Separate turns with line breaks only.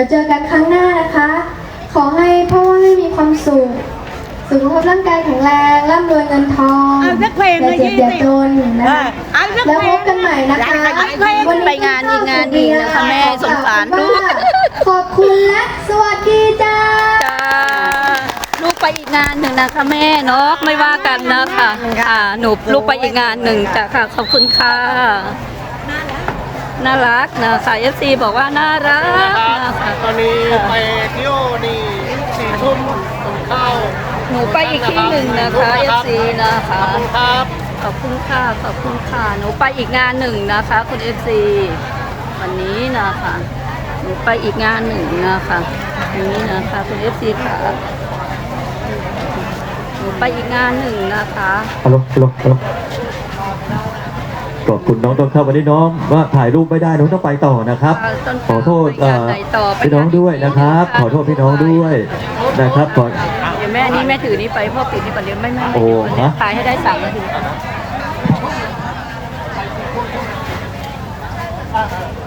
ยวเจอกันครั้งหน้านะคะ ขอให้พ่อแม่มีความสุขสุขภาพร่างกายแข็งแรงร่ำรวยเงินทองอย่าเจ็บอย่าจนนะคะแล้วพบกันใหม่นะคะ
วันนี้ไปงานอีกงานดีนะคะแม่สงสารลูก
ขอบคุณและสวัสดีจ้า
ลูกไปอีกงานหนึ่งนะคะแม่เนาะไม่ว่ากันนะคะค่ะหนูลูกไปอีกงานหนึ่งจ้ะค่ะขอบคุณค่ะน่ารักนะคะ FC บอกว่าน่ารักนะคะ
ตอนนี้ไปเที่ยวนี่4 ทุ่มตรงข้าว
หนูไปอีกที่หนึ่งนะคะ FC นะคะ
ขอบคุณครับ
ขอบคุณค่ะขอบคุณค่ะหนูไปอีกงานหนึ่งนะคะคุณ FC วันนี้นะคะหนูไปอีกงานหนึ่งนะคะนี้นะคะคุณ FC ค่ะหนูไปอีกงานหนึ่งนะคะ
ฮัลโหลขอบคุณน้องต้นข้าววันนี้น้องว่าถ่ายรูปไม่ได้น้องต้องไปต่อนะครับขอโทษพี่น้องด้วยนะครับขอโทษพี่น้องด้วยนะครับก่อน
เดี๋ยวแม่นี่แม่ถือนี่ไปพ่อปิดนี่ก่อนเดี๋ยวไม่
โอ้ฮะ
ถ่ายให้ได้3 นาที